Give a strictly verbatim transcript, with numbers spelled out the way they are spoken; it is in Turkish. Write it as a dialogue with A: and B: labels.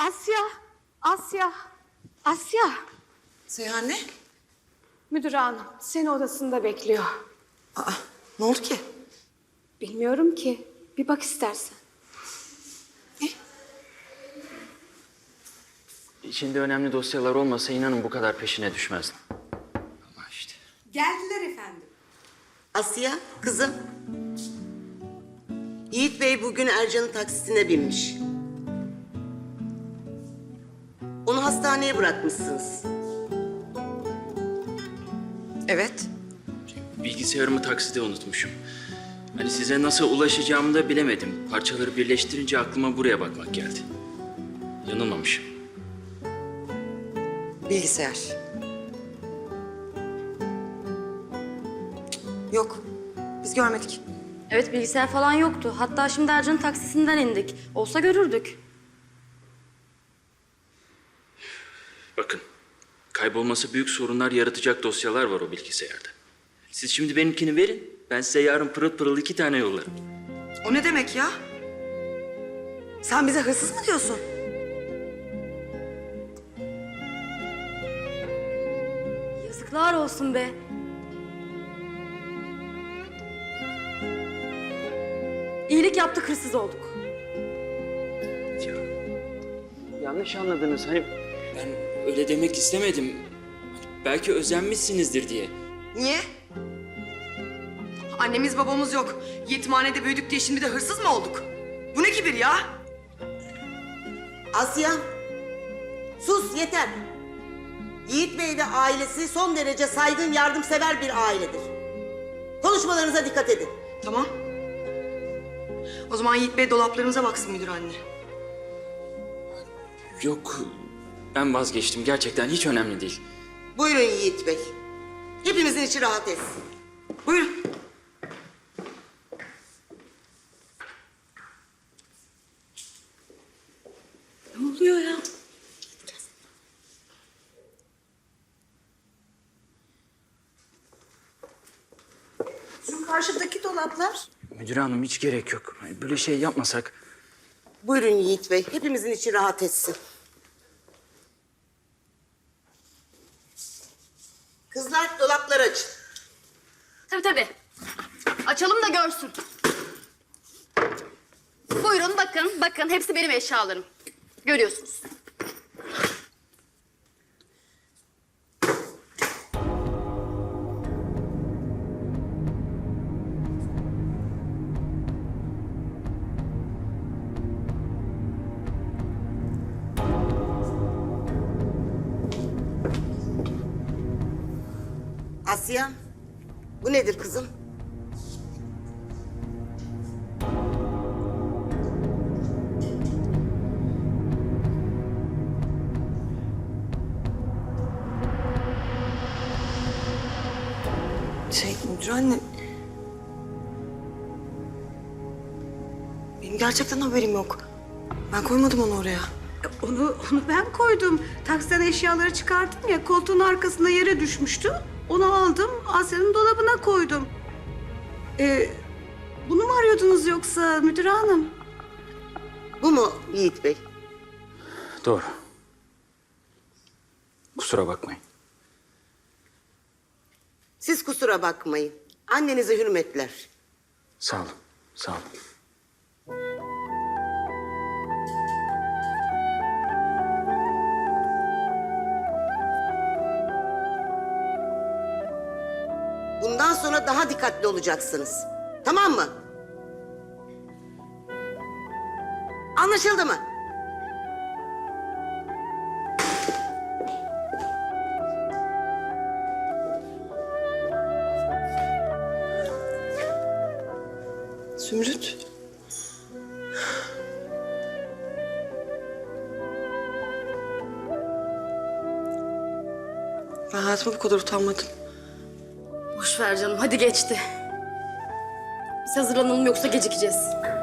A: Asya, Asya, Asya.
B: Seyhan ne?
A: Müdür hanım seni odasında bekliyor.
B: Aa, ne oldu ki?
A: Bilmiyorum ki. Bir bak istersen.
C: İçinde önemli dosyalar olmasa inanın bu kadar peşine düşmezdim. Ama işte.
D: Geldiler efendim.
E: Asya, kızım. Yiğit Bey bugün Ercan'ın taksisine binmiş. Onu hastaneye bırakmışsınız.
B: Evet.
C: Bilgisayarımı takside unutmuşum. Hani size nasıl ulaşacağımı da bilemedim. Parçaları birleştirince aklıma buraya bakmak geldi. Yanılmamışım.
B: Bilgisayar. Yok. Biz görmedik.
F: Evet, bilgisayar falan yoktu. Hatta şimdi Ercan'ın taksisinden indik. Olsa görürdük.
C: Bakın, kaybolması büyük sorunlar yaratacak dosyalar var o bilgisayarda. Siz şimdi benimkini verin, ben size yarın pırıl pırıl iki tane yollarım.
B: O ne demek ya? Sen bize hırsız mı diyorsun?
F: Yazıklar olsun be. İyilik yaptık, hırsız olduk.
C: Ya, yanlış anladınız. Hani ben öyle demek istemedim. Belki özenmişsinizdir diye.
B: Niye? Annemiz babamız yok. Yetimhanede büyüdük diye şimdi de hırsız mı olduk? Bu ne kibir ya?
E: Asya, sus yeter. Yiğit Bey ve ailesi son derece saygın, yardımsever bir ailedir. Konuşmalarınıza dikkat edin.
B: Tamam. O zaman Yiğit Bey dolaplarımıza baksın müdür anne.
C: Yok, ben vazgeçtim. Gerçekten hiç önemli değil.
E: Buyurun Yiğit Bey. Hepimizin içi rahat etsin.
B: Buyurun.
F: Ne oluyor ya?
D: Şu karşıdaki dolaplar.
C: Müdür hanım hiç gerek yok. Hani böyle şey yapmasak.
E: Buyurun Yiğit Bey. Hepimizin içi rahat etsin. Kızlar dolapları açın.
F: Tabii tabii. Açalım da görsün. Buyurun bakın, bakın. Hepsi benim eşyalarım. Görüyorsunuz.
E: Asya, bu nedir kızım?
B: Şey müdür anne. Benim gerçekten haberim yok. Ben koymadım onu oraya.
D: Onu, onu ben koydum. Taksiden eşyaları çıkardım ya, koltuğun arkasında yere düşmüştü. Onu aldım, Asya'nın dolabına koydum. Ee, bunu mu arıyordunuz yoksa müdür hanım?
E: Bu mu Yiğit Bey?
C: Doğru. Kusura bakmayın.
E: Siz kusura bakmayın. Annenize hürmetler.
C: Sağ olun, sağ olun.
E: Bundan sonra daha dikkatli olacaksınız. Tamam mı? Anlaşıldı mı?
B: Zümrüt. Ben hayatımda bu kadar utanmadım.
F: Boş ver canım, hadi geçti. Biz hazırlanalım yoksa gecikeceğiz.